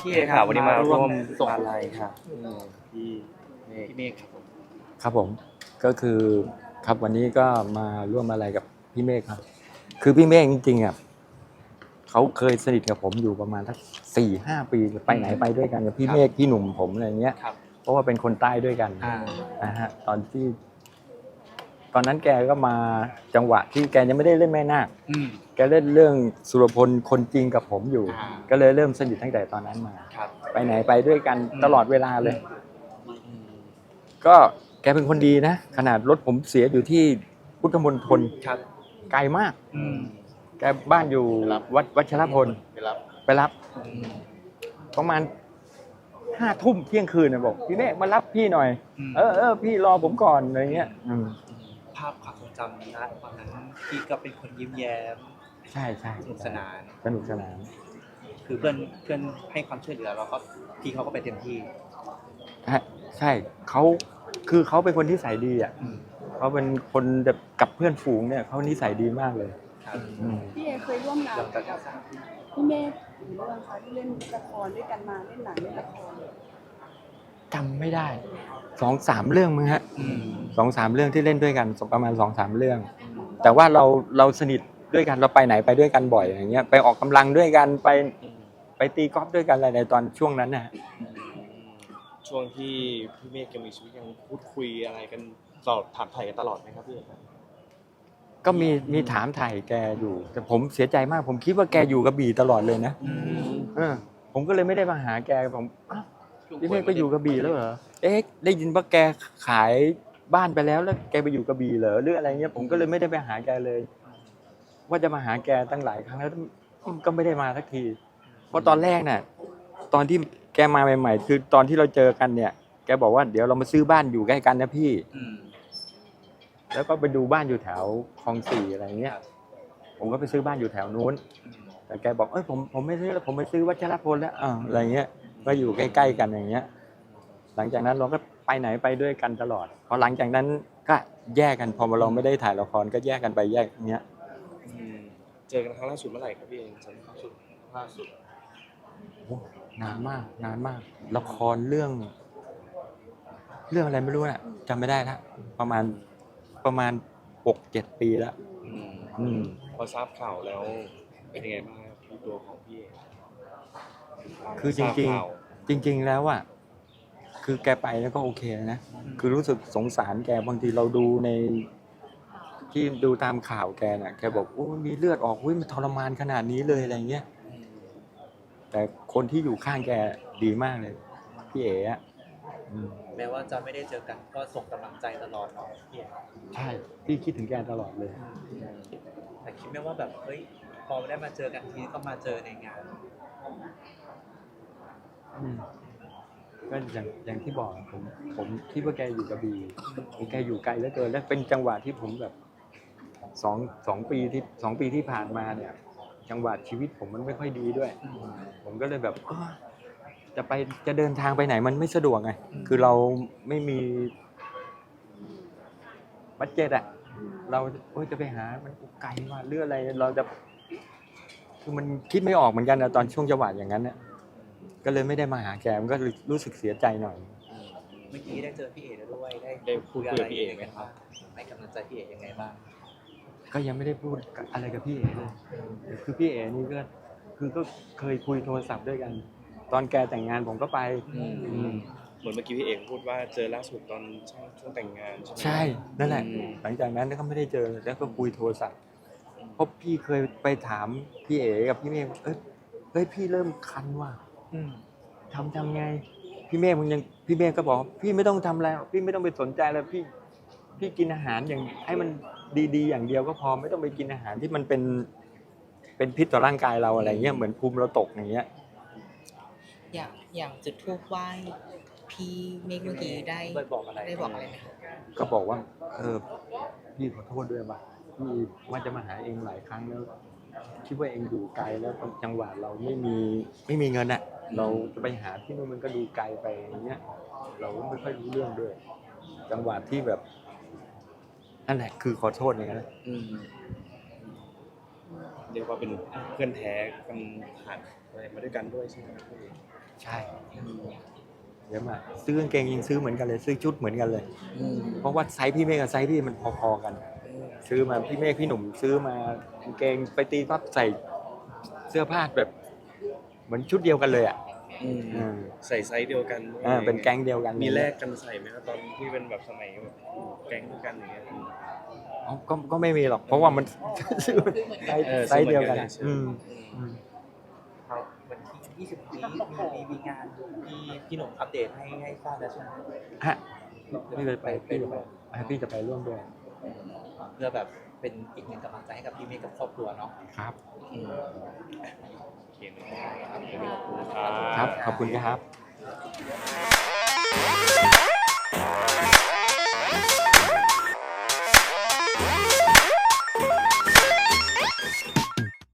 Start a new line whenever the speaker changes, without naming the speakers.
พี่เอกครับวันนี้มาร่วมส่งอะไรครับพี่เมฆครับผม
ครับผมก็คือครับวันนี้ก็มาร่วมอะไรกับพี่เมฆครับคือพี่เมฆจริงๆอ่ะเขาเคยสนิทกับผมอยู่ประมาณสัก4-5 ปีไปไหนไปด้วยกันกับพี่เมฆพี่หนุ่มผมอะไรเงี้ยเพราะว่าเป็นคนใต้ด้วยกันนะฮะตอนนั้นแกก็มาจังหวะที่แกยังไม่ได้เล่นแม่นาคแกเล่นเรื่องสุรพลคนจริงกับผมอยู่ก็เลยเริ่มสนิทตั้งแต่ตอนนั้นมาไปไหนไปด้วยกันตลอดเวลาเลยก็แกเป็นคนดีนะขนาดรถผมเสียอยู่ที่พุทธมณฑลไกลมากแกบ้านอยู่วัดวัชรพลไปรับประมาณ5 ทุ่มเที่ยงคืนนะบอกพี่เมฆมารับพี่หน่อยพี่รอผมก่อนอะไรเงี้ย
ภาพความทรงจำนะตอนนั้นพี่ก็เป็นคนยิ้มแย้ม
ใช่
สนุกสนานคือเพื่อนให้ความช่วยเหลือแล้วก็พี่เขาก็ไปเต็มที่
ใช่เขาเป็นคนที่นิสัยดีอ่ะเขาเป็นคนแบบกับเพื่อนฝูงเนี่ยเขานิสัยดีมากเลย
พี่เอเคยร่วมงานกับพี่เมฆหรือเรื่องคะที่เล่นละครด้วยกันมาเล่นหนังเล่นละคร
จำไม่ได้2-3 เรื่องมั้งฮะ2-3 เรื่องที่เล่นด้วยกันประมาณ2-3 เรื่องแต่ว่าเราสนิทด้วยกันเราไปไหนไปด้วยกันบ่อยอย่างเงี้ยไปออกกำลังด้วยกันไปตีกอล์ฟด้วยกันอะไรในตอนช่วงนั้นนะ
ช่วงที่พี่เมฆยังมีชีวิตยังพูดคุยอะไรกันตลอดถามไถ่กันตลอดไหมครับพี่
ก็มีถามไถ่แกอยู่แต่ผมเสียใจมากผมคิดว่าแกอยู่กระบี่ตลอดเลยนะผมก็เลยไม่ได้มาหาแกผมพี่เมฆไปอยู่กระบี่แล้วเหรอได้ยินว่าแกขายบ้านไปแล้วแกไปอยู่กระบี่เหรอหรืออะไรเงี้ยผมก็เลยไม่ได้ไปหาแกเลยว่าจะมาหาแกตั้งหลายครั้งแล้วก็ไม่ได้มาสักทีเพราะตอนแรกน่ะตอนที่แกมาใหม่ๆคือตอนที่เราเจอกันเนี่ยแกบอกว่าเดี๋ยวเรามาซื้อบ้านอยู่ใกล้กันนะพี่แล้วก็ไปดูบ้านอยู่แถวคลอง4อะไรเงี้ยผมก็ไปซื้อบ้านอยู่แถวนู้นแต่แกบอกผมไม่ซื้อแล้วผมไปซื้อวัชรพลแล้วอะไรเงี้ยก็อยู่ใกล้ๆกันอย่างเงี้ยหลังจากนั้นเราก็ไปไหนไปด้วยกันตลอดพอหลังจากนั้นก็แยกกันพอเราไม่ได้ถ่ายละครก็แยกกันไปแยกเงี้ย
เจอกันครั้งล่าสุดเมื่อไหร่ครับพี่เองจำได้ล่าสุด
นานมากละครเรื่องอะไรไม่รู้น่ะจำไม่ได้ละประมาณ 6-7 ปีแล้ว
พอทราบข่าวแล้วเป็นยังไงบ้างครับตัวของพี่เอง
คือจริงแล้วอ่ะคือแกไปแล้วก็โอเคนะคือรู้สึกสงสารแกบางทีเราดูในที่ดูตามข่าวแกน่ะแกบอกโอ้มีเลือดออกมันทรมานขนาดนี้เลยอะไรเงี้ยแต่คนที่อยู่ข้างแกดีมากเลยพี่เอ๋อะ
แม้ว่าจะไม่ได้เจอกันก็ส่งกำลังใจตลอดเนาะพี่เอ๋
ใช่พี่คิดถึงแกตลอดเลย
แต่คิดไม่ว่าแบบเฮ้ยพอได้มาเจอกันทีก็มาเจอในงาน
ก็อย่างที่บอกผมคิดว่าแกอยู่กระบี่แกอยู่ไกลเหลือเกินและเป็นจังหวะที่ผมแบบ2 ปีที่ผ่านมาเนี่ยจังหวะชีวิตผมมันไม่ค่อยดีด้วยผมก็เลยแบบจะเดินทางไปไหนมันไม่สะดวกไงคือเราไม่มีบัดเจ็ตเราจะไปหามันไกลว่าเรื่องอะไรเราจะคือมันคิดไม่ออกเหมือนกันนะตอนช่วงจังหวะอย่างนั้นเนี่ยก็เลยไม่ได้มาหาแกมันก็รู้สึกเสียใจหน่อย
เมื่อกี้ได้เจอพี่เอ๋ด้วยได้คุยอะไรพี่เอ๋ไหมครับให้กำลังใจพี่เอ๋ยังไงบ้าง
ก็ยังไม่ได้พูดอะไรกับพี่เอ๋เลยคือพี่เอ๋นี่ก็เคยคุยโทรศัพท์ด้วยกันตอนแกแต่งงานผมก็ไป
เหมือนเมื่อกี้พี่เอ๋พูดว่าเจอล่าสุดตอนช่วงแต่งงาน
ใช่นั่นแหละหลังจากนั้นก็ไม่ได้เจอแล้วก็คุยโทรศัพท์เพราะพี่เคยไปถามพี่เอ๋กับพี่เมฆเฮ้ยพี่เริ่มคันว่ะทำไงพี่เมฆก็บอกพี่ไม่ต้องทำอะไรพี่ไม่ต้องไปสนใจแล้วพี่กินอาหารอย่างให้มันดีๆอย่างเดียวก็พอไม่ต้องไปกินอาหารที่มันเป็นพิษต่อร่างกายเราอะไรเงี้ยเหมือนภูมิเราตกอย่างเงี้ย
อย่างจุดธูปไหว้พี่เมฆเมื่อกี้ได้บอกอะไรไหมคะ
ก็บอกว่าพี่ขอโทษด้วยว่ะพี่ว่าจะมาหาเองหลายครั้งแล้วคิดว่าเองอยู่ไกลแล้วจังหวะเราไม่มีเงินอ่ะเราจะไปหาที่นู่นมันก็ดูไกลไปอย่างเงี้ยเราไม่ค่อยรู้เรื่องด้วยจังหวะที่แบบนั่นแหละคือขอโทษอย่างนั้น
เรียกว่าเป็นเพื่อนแท้กันผ่านอะไรมาด้วยกันด้วยใช่ไหมครับพี่
ใช่เยอะมากซื้อกางเกงยังซื้อเหมือนกันเลยซื้อชุดเหมือนกันเลย เพราะว่าไซส์พี่เมฆกับไซส์พี่มันพอๆกัน ซื้อมาพี่เมฆพี่หนุ่มซื้อมากางเกงไปตีปั๊บใส่เสื้อผ้าแบบเหมือนชุดเดียวกันเลยอ่ะ
ใส่ไซส์เดียวกัน
เป็นแก๊งเดียวกัน
มีแลกกันใส่ไหมครับตอนที่เป็นแบบสมัยแบบแก๊งด้วยกันอย่างเงี้ย
อ๋อก็ไม่มีหรอกเพราะว่ามัน ซื้อไซส์เดียวกัน
ครับวันที่20นี้มีงานที่พี่หนุ่มอัปเดตให้ทราบแล้วใช่ไหม
ฮะพี่จะไปพี่จะไปร่วมด้วย
เพื่อแบบเป็นอีกหนึ่งกำลังใจให้กับพี่เมฆกับครอบครัวเนาะ
ครับ
โอเคนะครับ
ครับขอบคุณครับ